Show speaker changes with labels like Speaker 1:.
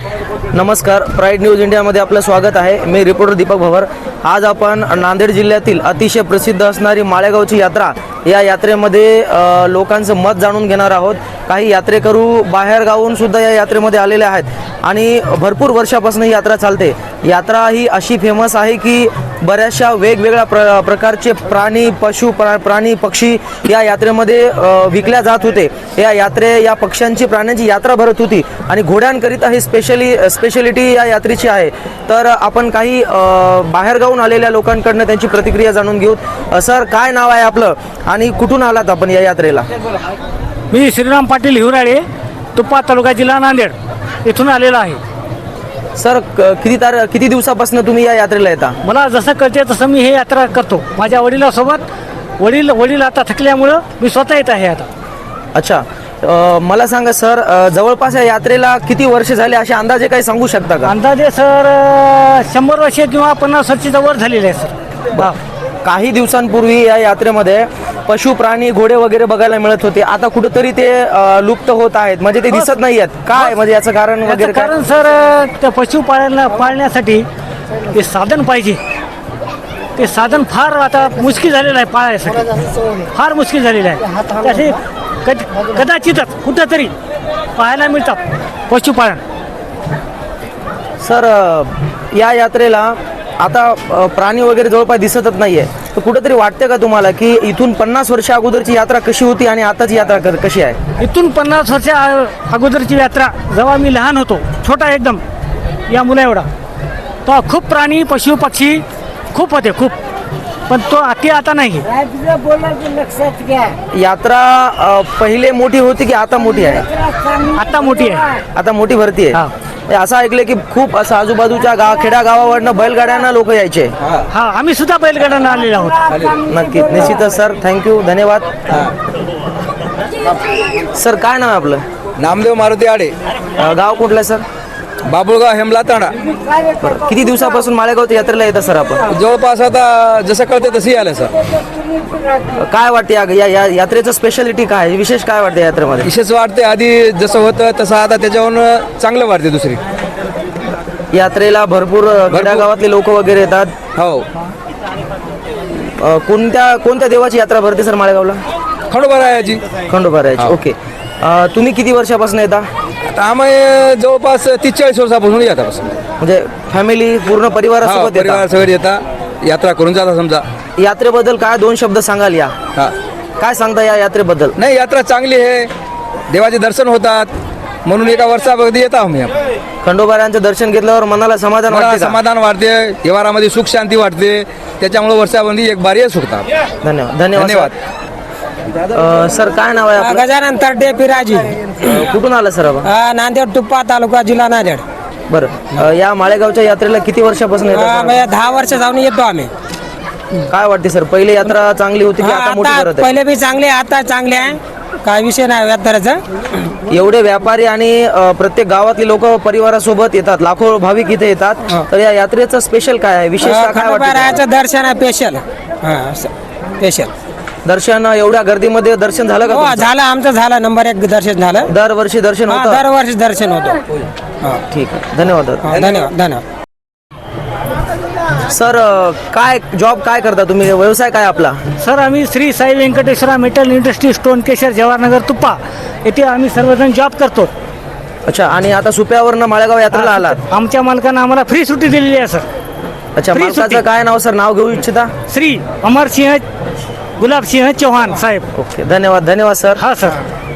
Speaker 1: नमस्कार, pride news इंडियामध्ये आपलं स्वागत आहे. मी रिपोर्टर दीपक भवर. आज आपण नांदेड जिल्ह्यातील अतिशय प्रसिद्ध असणारी माळेगावची यात्रा या यात्रेमध्ये लोकांचं मत जाणून घेणार आहोत. काही यात्रेकरू बाहेर गावून सुद्धा या यात्रेमध्ये आलेले आहेत आणि भरपूर वर्षापासून ही यात्रा चालते. यात्रा ही अशी फेमस आहे की बऱ्याचशा वेगवेगळ्या प्रकारचे प्राणी पक्षी या यात्रेमध्ये विकल्या जात होते. या पक्ष्यांची प्राण्यांची यात्रा भरत होती आणि घोड्यांकरिता ही स्पेशलिटी या यात्रेची आहे. तर आपण काही बाहेरगावून आलेल्या लोकांकडनं त्यांची प्रतिक्रिया जाणून घेऊ. सर, काय नाव आहे आपलं आणि कुठून आलात आपण या यात्रेला?
Speaker 2: मी श्रीराम पाटील हिवराळे, तुप्पा तालुका, जिल्हा नांदेड इथून आलेला आहे.
Speaker 1: सर, किती दिवसापासून तुम्ही या यात्रेला येता?
Speaker 2: मला जसं कळते तसं मी हे यात्रा करतो माझ्या वडिलांसोबत. वडील आता थकल्यामुळं मी स्वतः येत आहे आता.
Speaker 1: अच्छा, मला सांगा सर, जवळपास या यात्रेला किती वर्ष झाले असे अंदाजे काही सांगू शकता का?
Speaker 2: अंदाजे सर 100 वर्षे किंवा 50 वर्षाच्या वर झालेले आहे सर.
Speaker 1: काही दिवसांपूर्वी या यात्रेमध्ये पशु प्राणी घोडे वगैरे बघायला मिळत होते. आता कुठेतरी ते लुप्त होत आहेत, म्हणजे ते दिसत नाही आहेत. काय म्हणजे याचं कारण वगैरे?
Speaker 2: कारण सर त्या पशु पाळण्यासाठी ते साधन पाहिजे. ते साधन फार आता मुश्किल झालेलं आहे पाळायसाठी, फार मुश्किल झालेलं आहे. त्याचे कदाचितच कुठंतरी पाहायला मिळतात पशुपालन.
Speaker 1: सर, या यात्रेला आता प्राणी वगैरे जवळपास दिसतच नाहीये. तर कुठेतरी वाटते का तुम्हाला की इथून 50 वर्ष अगोदरची यात्रा कशी होती आणि आताची यात्रा कशी आहे?
Speaker 2: इथून 50 वर्षा अगोदरची यात्रा, जेव्हा मी लहान होतो, छोटा एकदम या मुला एवढा, तो खूप प्राणी पशु पक्षी खूप होते, खूप. पण तो आता नाही.
Speaker 1: यात्रा पहिले मोठी होती की आता मोठी आहे?
Speaker 2: आता मोठी आहे.
Speaker 1: आता मोठी भरती आहे. असं ऐकलं की खूप असं आजूबाजूच्या खेड्या गावावरनं बैलगाड्यांना लोक यायचे.
Speaker 2: हा, आम्ही सुद्धा बैलगाड्यांना आलेलो आहोत.
Speaker 1: नक्की, निश्चितच सर. थँक्यू, धन्यवाद. सर, काय नाव आहे आपलं?
Speaker 3: नामदेव मारुती आडे,
Speaker 1: गाव कुठलं सर?
Speaker 3: बाबुळगाव, हेमला तांडा.
Speaker 1: किती दिवसापासून माळेगाव यात्रेला येतं सर आपण?
Speaker 3: जवळपास आता जसं कळते तसंही आलं सर.
Speaker 1: काय वाटते या यात्रेचं स्पेशालिटी काय, विशेष काय वाटते यात्रेमध्ये?
Speaker 3: विशेष वाटते, आधी जसं होतं तसं आता त्याच्याहून चांगलं वाटते. दुसरी
Speaker 1: यात्रेला भरपूर गावातले लोक वगैरे येतात.
Speaker 3: हो.
Speaker 1: कोणत्या देवाची यात्रा भरते सर माळेगावला?
Speaker 3: खंडोबारायाची.
Speaker 1: खंडोबारायाची. ओके. तुम्ही किती वर्षापासून येता?
Speaker 3: आता आम्ही जवळपास 30-40 वर्षापासून येतात.
Speaker 1: म्हणजे फॅमिली पूर्ण परिवारासोबत येता?
Speaker 3: परिवारासोबत येता, यात्रा करून जाता. समजा
Speaker 1: यात्रेबद्दल काय 2 शब्द सांगाल या? काय सांगता या यात्रेबद्दल?
Speaker 3: नाही, यात्रा चांगली आहे, देवाचे दर्शन होतात, म्हणून एका वर्षामध्ये येतो आम्ही.
Speaker 1: खंडोबारायांचं दर्शन घेतल्यावर मनाला समाधान वाटते?
Speaker 3: समाधान वाटते, व्यवहारामध्ये सुख शांती वाटते. त्याच्यामुळे वर्षामध्ये एक बारी सुखतात.
Speaker 1: धन्यवाद. सर, काय नाव आहे आपलं?
Speaker 4: गजानन तरडे पिराजी,
Speaker 1: कुठून आलं सर आपण?
Speaker 4: नांदेड, तुप्पा तालुका, जिल्हा नांदेड.
Speaker 1: बरं, या माळेगावच्या यात्रेला किती वर्षापासून येतात?
Speaker 4: 10 वर्ष जाऊन येतो आम्ही.
Speaker 1: काय वाटते सर, पहिले यात्रा चांगली होती की आता मोठी करत आहे?
Speaker 4: पहिले बी चांगले, आता चांगले आहे, काय विषय नाही यात्रेचा.
Speaker 1: एवढे व्यापारी आणि प्रत्येक गावातले लोक परिवारासोबत येतात, लाखो भाविक इथे येतात. तर या यात्रेचं स्पेशल काय आहे, विशेष काय वाटतं?
Speaker 4: खंडोबारायाचं दर्शन आहे स्पेशल. स्पेशल
Speaker 1: दर्शन. एवढ्या गर्दीमध्ये दर्शन झालं का
Speaker 4: हो,
Speaker 1: तुमचं?
Speaker 4: झालं, आमचं झालं. नंबर 1 दर्शन झालं.
Speaker 1: दरवर्षी दर्शन होतं?
Speaker 4: दरवर्षी दर्शन होतं.
Speaker 1: ठीक आहे, धन्यवाद.
Speaker 4: धन्यवाद.
Speaker 1: सर, काय जॉब काय करता तुम्ही, व्यवसाय काय आपला?
Speaker 2: सर, आम्ही Shri Sai Venkateshwara metal industry, stone crusher, Jawaharnagar, तुप्पा येथे आम्ही सर्वजण जॉब करतो.
Speaker 1: अच्छा, आणि आता सुप्यावरनं माळेगाव यात्रेला आलात?
Speaker 2: आमच्या मालकानं आम्हाला फ्री सुट्टी दिलेली आहे सर.
Speaker 1: अच्छा,
Speaker 2: फ्री
Speaker 1: मालकाचं
Speaker 2: सुट्टी.
Speaker 1: काय नाव सर, नाव घेऊ इच्छिता?
Speaker 2: श्री अमरसिंह गुलाबसिंह चौहान साहेब.
Speaker 1: ओके, धन्यवाद सर.
Speaker 2: हा सर.